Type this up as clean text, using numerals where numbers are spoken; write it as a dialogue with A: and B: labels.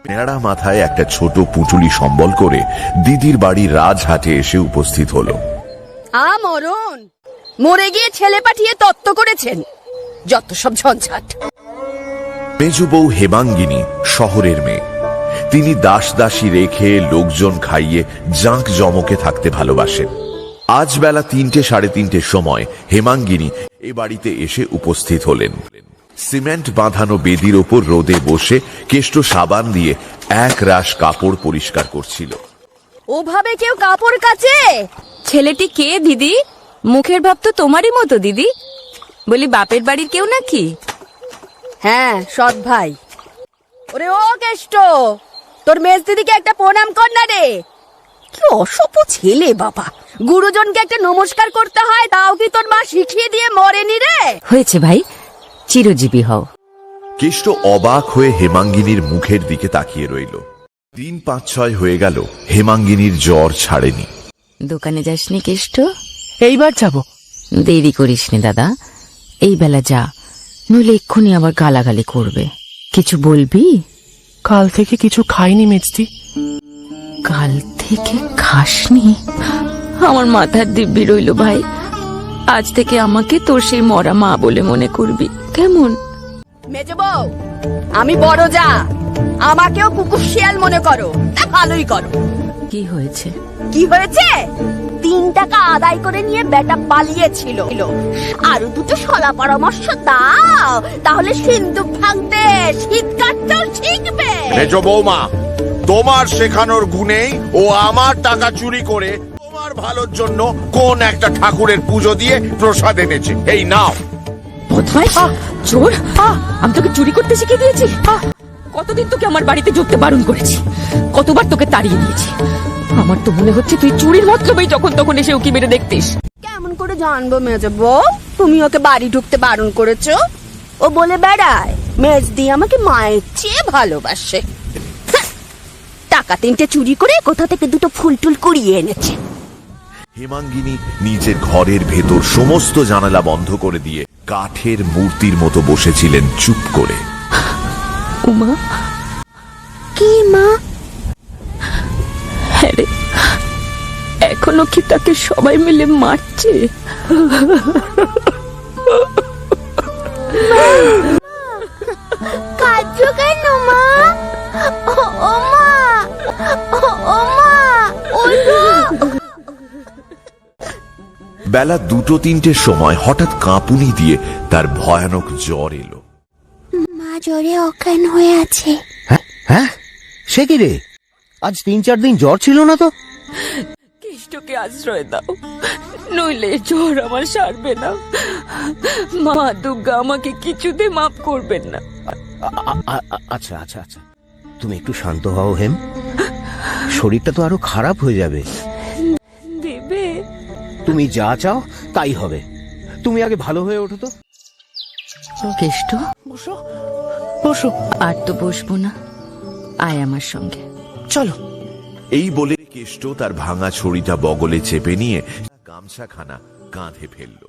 A: ন্যাড়া মাথায় একটা ছোট পুঁটুলি সম্বল করে দিদির বাড়ির রাজহাটে এসে উপস্থিত হলো।
B: মরণ মরে গিয়ে ছেলে পাঠিয়ে তত্ত্ব করেছেন, যত সব ঝঞ্ঝাট।
A: মেজো বউ হেমাঙ্গিনী শহরের মেয়ে। তিনি দাস দাসী রেখে লোকজন খাইয়ে জাঁক জমকে থাকতে ভালোবাসেন। আজ বেলা 3টে সাড়ে 3টের সময় হেমাঙ্গিনী এ বাড়িতে এসে উপস্থিত হলেন। সিমেন্ট বাঁধানো বেদির ওপর রোদে বসে কেষ্ট সাবান দিয়ে এক রাশ কাপড় পরিষ্কার করছিল।
B: ওভাবে কেউ কাপড় কাচে?
C: ছেলেটি কে দিদি? মুখের ভাব তো তোমারই মতো দিদি। বলি বাপের বাড়ির কেউ নাকি?
B: হ্যাঁ, সৎ ভাই। ওরে ও কেষ্ট, তোর মেজ দিদিকে একটা প্রণাম কর না রে। কি অসভ্য ছেলে বাবা, গুরুজনকে একটা নমস্কার করতে হয়, তাও কি তোর মা শিখিয়ে দিয়ে মরেনি রে?
C: হয়েছে ভাই, চিরজীবী হও।
A: কেষ্ট অবাক হয়ে হেমাঙ্গিনীর মুখের দিকে তাকিয়ে রইল। দিন 5-6 হয়ে গেল, হেমাঙ্গিনীর জ্বর ছাড়েনি।
C: দোকানে যাসনি কেষ্ট?
D: এইবার যাব।
C: দেরি করিসনি দাদা, এই বেলা যা, নইলে এক্ষুনি আবার গালাগালি করবে। কিছু বলবি?
D: কাল থেকে কিছু খাইনি মেজদি।
C: কাল থেকে খাসনি? আমার মাথার দিব্যি রইল ভাই, আজ থেকে আমাকে তোর সেই মরা মা বলে মনে করবি, কেমন?
B: মেজো বউ, আমি বড় যা, আমাকেও কুকুর শিয়াল মনে করো, তা ভালোই করো।
C: কি হয়েছে?
B: কি হয়েছে? 3 টাকা আদায় করে নিয়ে বেটা পালিয়েছিল। আরো দুটো সলা পরামর্শ দাও, তাহলে সিন্ধুক ভাঙতে শীত কাটতেও শিখবে।
E: মেজো বৌমা, তোমার শেখানোর গুণেই ও আমার টাকা চুরি করে তোমার ভালোর জন্য কোন একটা ঠাকুরের পুজো দিয়ে প্রসাদ এনেছে। এই নাও।
C: বদমাইশ, চোর! আমি তোকে চুরি করতে শিখিয়ে দিয়েছি? কতদিন তোকে আমার বাড়িতে ঢুকতে বারণ করেছি, কতবার তোকে তাড়িয়ে দিয়েছি। আমার তো মনে হচ্ছে তুই চুরির মতলবেই যখন তখন এসে উকি মেরে দেখতিস।
B: কেমন করে জানবো মেজো বউ তুমি ওকে বাড়ি ঢুকতে বারণ করেছো? ও বলে বেড়ায় মেজদি আমাকে মায়ের চেয়ে ভালোবাসে। টাকা 3টে চুরি করে কোথা থেকে দুটো ফুল টুল কুড়িয়ে এনেছে।
A: হেমাঙ্গিনী নিজের ঘরের ভেতর সমস্ত জানালা বন্ধ করে দিয়ে কাঠের মূর্তির মতো বসেছিলেন চুপ করে।
C: উমা,
B: কি মা?
C: হ্যাঁ রে, এখনো কি তাকে সবাই মিলে মারছে?
B: কাঁদছো কেন মা? ও মা, ও মা,
A: বেলা 2-3টের সময় হঠাৎ কাঁপুনি দিয়ে তার ভয়ানক জ্বর এলো।
F: মা জ্বরে অজ্ঞান হয়ে আছে।
G: হ্যাঁ, সে কি রে? আজ 3-4 দিন জ্বর ছিল না তো?
C: কেষ্টকে আশ্রয় দাও, নইলে জ্বর আমার সারবে না। মা দুর্গা আমাকে কিছুতে মাফ করবেন না।
G: আচ্ছা আচ্ছা আচ্ছা, তুমি একটু শান্ত হও হেম, শরীরটা তো আরো খারাপ হয়ে যাবে।
C: দেবে?
G: তুমি যা চাও তাই হবে, তুমি আগে ভালো হয়ে ওঠো তো।
C: কেষ্ট,
D: বসো বসো।
C: আর তো বসবো না, আয় আমার সঙ্গে।
D: চলো।
A: এই বলে কেষ্ট তার ভাঙা ছড়িটা বগলে চেপে নিয়ে গামছাখানা কাঁধে ফেলল।